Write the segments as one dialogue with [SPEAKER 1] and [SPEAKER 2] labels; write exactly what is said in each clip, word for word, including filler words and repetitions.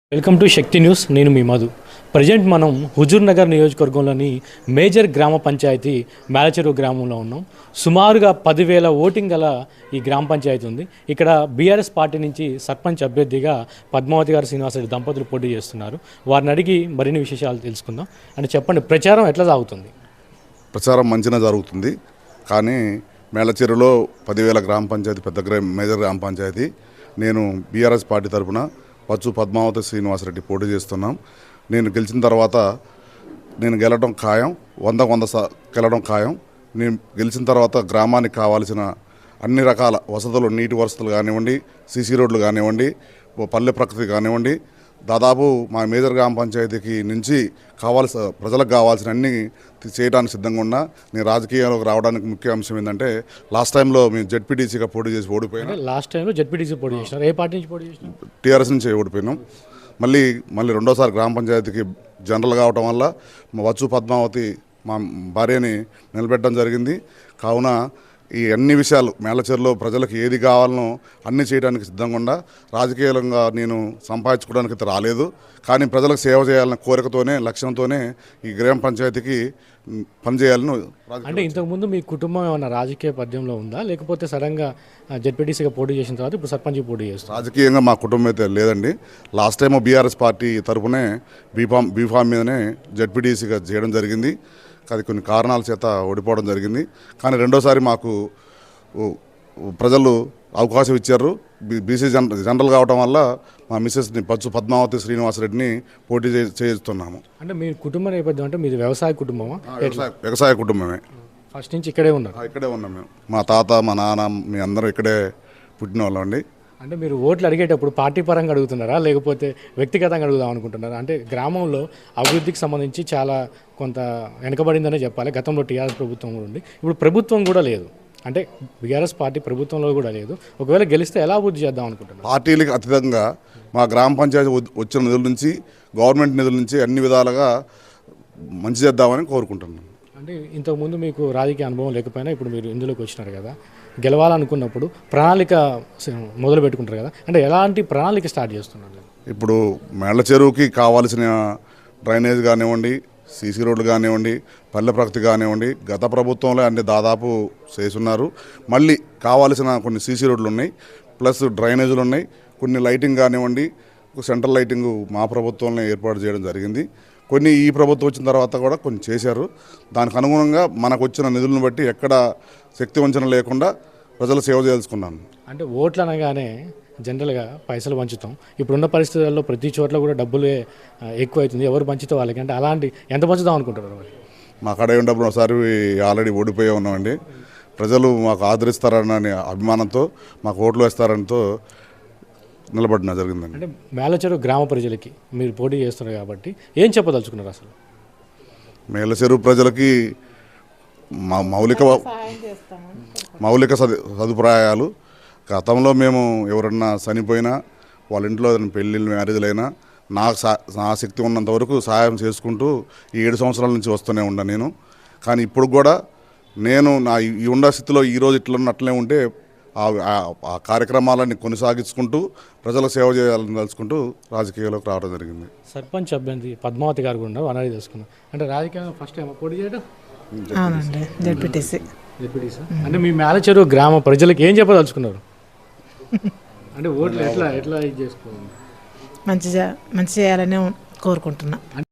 [SPEAKER 1] Welcome to Shakti news. నేను మీ Madhu. Present మనం హుజూర్ నగర్ నియోజకవర్గంలోని మేజర్ గ్రామ పంచాయతీ మేలచెరువు గ్రామంలో ఉన్నాం. సుమారుగా పదివేల ఓటింగ్ గల ఈ గ్రామ పంచాయతీ ఉంది. ఇక్కడ బీఆర్ఎస్ పార్టీ నుంచి సర్పంచ్ అభ్యర్థిగా పద్మావతి గారు శ్రీనివాసరెడ్డి దంపతులు పోటీ చేస్తున్నారు. వారిని అడిగి మరిన్ని విశేషాలు తెలుసుకుందాం. అంటే చెప్పండి, ప్రచారం ఎట్లా సాగుతుంది?
[SPEAKER 2] ప్రచారం మంచిగా జరుగుతుంది, కానీ మేలచెరువులో పదివేల గ్రామ పంచాయతీ పెద్ద గ్రా మేజర్ గ్రామ పంచాయతీ. నేను బీఆర్ఎస్ పార్టీ తరఫున పచ్చు పద్మావతి శ్రీనివాసరెడ్డి పోటీ చేస్తున్నాం. నేను గెలిచిన తర్వాత నేను గెలవడం ఖాయం, వంద వంద గెలవడం ఖాయం. నేను గెలిచిన తర్వాత గ్రామానికి కావాల్సిన అన్ని రకాల వసతులు, నీటి వసతులు కానివ్వండి, సీసీ రోడ్లు కానివ్వండి, పల్లె ప్రకృతి కానివ్వండి, దాదాపు మా మేజర్ గ్రామ పంచాయతీకి నుంచి కావాల్సిన ప్రజలకు కావాల్సిన అన్ని చేయడానికి సిద్ధంగా ఉన్నా. నేను రాజకీయాల్లోకి రావడానికి ముఖ్య అంశం ఏంటంటే, లాస్ట్ టైంలో మేము జెడ్పీటీసీగా పోటీ చేసి ఓడిపోయినా.
[SPEAKER 1] లాస్ట్ టైంలో జెడ్పీటీసీ పోటీ చేసినారు. ఏ పార్టీ నుంచి పోటీ చేసినారు?
[SPEAKER 2] టీఆర్ఎస్ నుంచి ఓడిపోయినాం. మళ్ళీ మళ్ళీ రెండోసారి గ్రామ పంచాయతీకి జనరల్ కావటం వల్ల మా వచ్చు పద్మావతి మా భార్యని నిలబెట్టడం జరిగింది. కావున ఈ అన్ని విషయాలు మేలచెరువులో ప్రజలకు ఏది కావాలనో అన్నీ చేయడానికి సిద్ధంగా ఉండా. రాజకీయంగా నేను సంపాదించుకోవడానికి అయితే రాలేదు, కానీ ప్రజలకు సేవ చేయాలన్న కోరికతోనే, లక్ష్యంతోనే ఈ గ్రామ పంచాయతీకి పనిచేయాలని.
[SPEAKER 1] అంటే ఇంతకుముందు మీ కుటుంబం ఏమన్నా రాజకీయ పద్యంలో ఉందా, లేకపోతే సడన్గా జెడ్పీటీసీగా పోటీ చేసిన తర్వాత ఇప్పుడు సర్పంచ్ పోటీ చేస్తారు?
[SPEAKER 2] రాజకీయంగా మా కుటుంబం అయితే లేదండి. లాస్ట్ టైం బీఆర్ఎస్ పార్టీ తరఫునే బీఫామ్ బీఫామ్ మీదనే జెడ్పీటీసీగా చేయడం జరిగింది. అది కొన్ని కారణాల చేత ఓడిపోవడం జరిగింది. కానీ రెండోసారి మాకు ప్రజలు అవకాశం ఇచ్చారు. బీసీ జన జనరల్ కావడం వల్ల మా మిస్సెస్ని పచ్చు పద్మావతి శ్రీనివాసరెడ్డిని పోటీ చేస్తున్నాము.
[SPEAKER 1] అంటే మీ కుటుంబ నేపథ్యం అంటే మీది వ్యవసాయ కుటుంబమా?
[SPEAKER 2] వ్యవసాయ వ్యవసాయ కుటుంబమే.
[SPEAKER 1] ఫస్ట్ నుంచి ఇక్కడే ఉన్నారు?
[SPEAKER 2] ఇక్కడే ఉన్నాం మేము. మా తాత, మా నాన్న, మీ అందరూ ఇక్కడే పుట్టిన వాళ్ళం అండి.
[SPEAKER 1] అంటే మీరు ఓట్లు అడిగేటప్పుడు పార్టీ పరంగా అడుగుతున్నారా, లేకపోతే వ్యక్తిగతంగా అడుగుదాం అనుకుంటున్నారా? అంటే గ్రామంలో అభివృద్ధికి సంబంధించి చాలా కొంత వెనకబడిందనే చెప్పాలి. గతంలో టీఆర్ఎస్ ప్రభుత్వం కూడా ఉంది, ఇప్పుడు ప్రభుత్వం కూడా లేదు. అంటే బీఆర్ఎస్ పార్టీ ప్రభుత్వంలో కూడా లేదు. ఒకవేళ గెలిస్తే ఎలా అభివృద్ధి చేద్దాం అనుకుంటున్నారు?
[SPEAKER 2] పార్టీలకు అతీతంగా మా గ్రామ పంచాయతీ వచ్చిన నిధుల నుంచి, గవర్నమెంట్ నిధుల నుంచి అన్ని విధాలుగా మంచి చేద్దామని కోరుకుంటున్నాను.
[SPEAKER 1] అంటే ఇంతకుముందు మీకు రాజకీయ అనుభవం లేకపోయినా ఇప్పుడు మీరు ఇందులోకి వచ్చినారు కదా, గెలవాలనుకున్నప్పుడు ప్రణాళిక మొదలు పెట్టుకుంటారు కదా, అంటే ఎలాంటి ప్రణాళిక స్టార్ట్ చేస్తున్నారు?
[SPEAKER 2] ఇప్పుడు మేళ్ల చెరువుకి కావాల్సిన డ్రైనేజ్ కానివ్వండి, సీసీ రోడ్లు కానివ్వండి, పల్లె ప్రగతి కానివ్వండి, గత ప్రభుత్వంలో అన్ని దాదాపు చేస్తున్నారు. మళ్ళీ కావాల్సిన కొన్ని సీసీ రోడ్లు ఉన్నాయి, ప్లస్ డ్రైనేజీలు ఉన్నాయి, కొన్ని లైటింగ్ కానివ్వండి, సెంట్రల్ లైటింగ్ మా ప్రభుత్వంలో ఏర్పాటు చేయడం జరిగింది. కొన్ని ఈ ప్రభుత్వం వచ్చిన తర్వాత కూడా కొన్ని చేశారు. దానికి అనుగుణంగా మనకు వచ్చిన నిధులను బట్టి ఎక్కడ శక్తి వంచన లేకుండా ప్రజలు సేవ చేసుకున్నాను.
[SPEAKER 1] అంటే ఓట్లు అనగానే జనరల్గా పైసలు పంచుతాం. ఇప్పుడున్న పరిస్థితుల్లో ప్రతి చోట్ల కూడా డబ్బులు ఎక్కువ అవుతుంది, ఎవరు పంచుతా వాళ్ళకి. అంటే అలాంటి ఎంత పంచుదాం అనుకుంటారు?
[SPEAKER 2] మా కడ ఉన్నప్పుడు ఒకసారి ఆల్రెడీ ఓడిపోయే ఉన్నామండి. ప్రజలు మాకు ఆదరిస్తారని అభిమానంతో, మాకు ఓట్లు వేస్తారనితో నిలబడిన జరిగిందండి.
[SPEAKER 1] అంటే మేలచెరువు గ్రామ ప్రజలకి మీరు పోటీ చేస్తున్నారు కాబట్టి ఏం చెప్పదలుచుకున్నారు అసలు?
[SPEAKER 2] మేలచెరువు ప్రజలకి మా మౌలిక మౌలిక సదు సదుపాయాలు గతంలో మేము ఎవరన్నా చనిపోయినా, వాళ్ళ ఇంట్లో ఏదైనా పెళ్ళిళ్ళు, మ్యారేజ్లైనా నాకు సా నా శక్తి ఉన్నంత వరకు సహాయం చేసుకుంటూ ఈ ఏడు సంవత్సరాల నుంచి వస్తూనే ఉన్నా నేను. కానీ ఇప్పుడు కూడా నేను నా ఈ ఉన్న స్థితిలో ఈరోజు ఇట్లా అట్లనే ఉంటే ఆ కార్యక్రమాలన్నీ కొనసాగించుకుంటూ ప్రజలకు సేవ చేయాలని తలుచుకుంటూ రాజకీయాల్లోకి రావడం జరిగింది.
[SPEAKER 1] సర్పంచ్ అభ్యర్థి పద్మావతి గారు కూడా ఉన్నారు, అనేది తెలుసుకున్నాం. అంటే రాజకీయంగా ఫస్ట్ టైం పోటీ చేయడం?
[SPEAKER 3] అవునండి, జెడ్పీటీసీ.
[SPEAKER 1] జెడ్పీటీసీ అంటే మీ మేలచెరువు గ్రామ ప్రజలకు ఏం చెప్పదలుచుకున్నారు? అంటే ఓట్లు ఎట్లా ఎట్లా ఇది చేసుకోవాలి?
[SPEAKER 3] మంచిగా మంచి చేయాలని కోరుకుంటున్నా.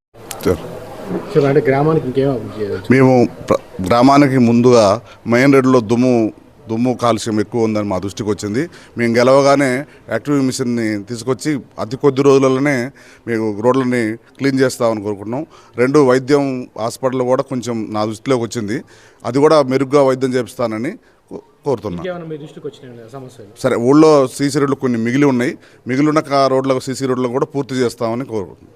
[SPEAKER 1] అంటే గ్రామానికి ఇంకేం అభివృద్ధి చేయాలి?
[SPEAKER 2] మేము గ్రామానికి ముందుగా మెయిన్ రోడ్లో దుమ్ము దుమ్ము కాలుష్యం ఎక్కువ ఉందని మా దృష్టికి వచ్చింది. మేము గెలవగానే యాక్టివ్ మిషన్ని తీసుకొచ్చి అతి కొద్ది రోజులలోనే మేము రోడ్లని క్లీన్ చేస్తామని కోరుకుంటున్నాం. రెండు, వైద్యం హాస్పిటల్ కూడా కొంచెం నా దృష్టిలోకి వచ్చింది, అది కూడా మెరుగ్గా వైద్యం చేపిస్తానని కోరుతున్నాం. సరే, ఊళ్ళో సీసీ రోడ్లు కొన్ని మిగిలి ఉన్నాయి, మిగిలి ఉన్న రోడ్లకు సీసీ రోడ్లను కూడా పూర్తి చేస్తామని కోరుకుంటున్నాం.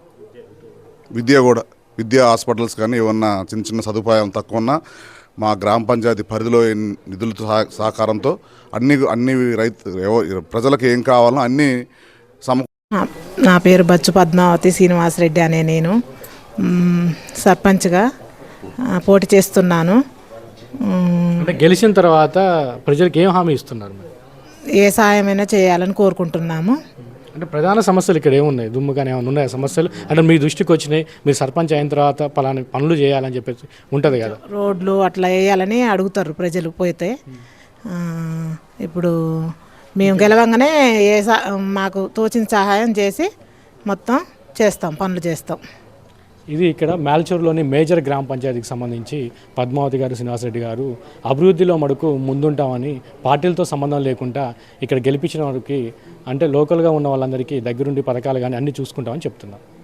[SPEAKER 2] విద్య కూడా, విద్యా హాస్పిటల్స్ కానీ ఏమన్నా చిన్న చిన్న సదుపాయం తక్కువ ఉన్నా మా గ్రామ పంచాయతీ పరిధిలో నిధులతో సహకారంతో అన్ని అన్ని రైతు ప్రజలకు ఏం కావాలో అన్నీ సమ.
[SPEAKER 3] నా పేరు బచ్చు పద్మావతి శ్రీనివాసరెడ్డి అనే నేను సర్పంచ్గా పోటీ చేస్తున్నాను.
[SPEAKER 1] అంటే గెలిచిన తర్వాత ప్రజలకు ఏం హామీ ఇస్తున్నారు?
[SPEAKER 3] ఏ సాయమైనా చేయాలని కోరుకుంటున్నాము.
[SPEAKER 1] అంటే ప్రధాన సమస్యలు ఇక్కడ ఏమున్నాయి? దుమ్ము కానీ ఏమైనా ఉన్నాయా సమస్యలు? అంటే మీ దృష్టికి వచ్చినాయి, మీరు సర్పంచ్ అయిన తర్వాత పలానా పనులు చేయాలని చెప్పేసి ఉంటుంది కదా.
[SPEAKER 3] రోడ్లు అట్లా వేయాలని అడుగుతారు ప్రజలు పోతే. ఆ, ఇప్పుడు మేము గెలవంగానే ఏ సా- మాకు తోచిన సహాయం చేసి మొత్తం చేస్తాం, పనులు చేస్తాం.
[SPEAKER 1] ఇది ఇక్కడ మేల్చూరులోని మేజర్ గ్రామ పంచాయతీకి సంబంధించి పద్మావతి గారు, శ్రీనివాసరెడ్డి గారు అభివృద్ధిలో మడుకు ముందుంటామని పార్టీలతో సంబంధం లేకుండా ఇక్కడ గెలిపించిన వారికి అంటే లోకల్గా ఉన్న వాళ్ళందరికీ దగ్గరుండి పథకాలు కానీ అన్నీ చూసుకుంటామని చెప్తున్నారు.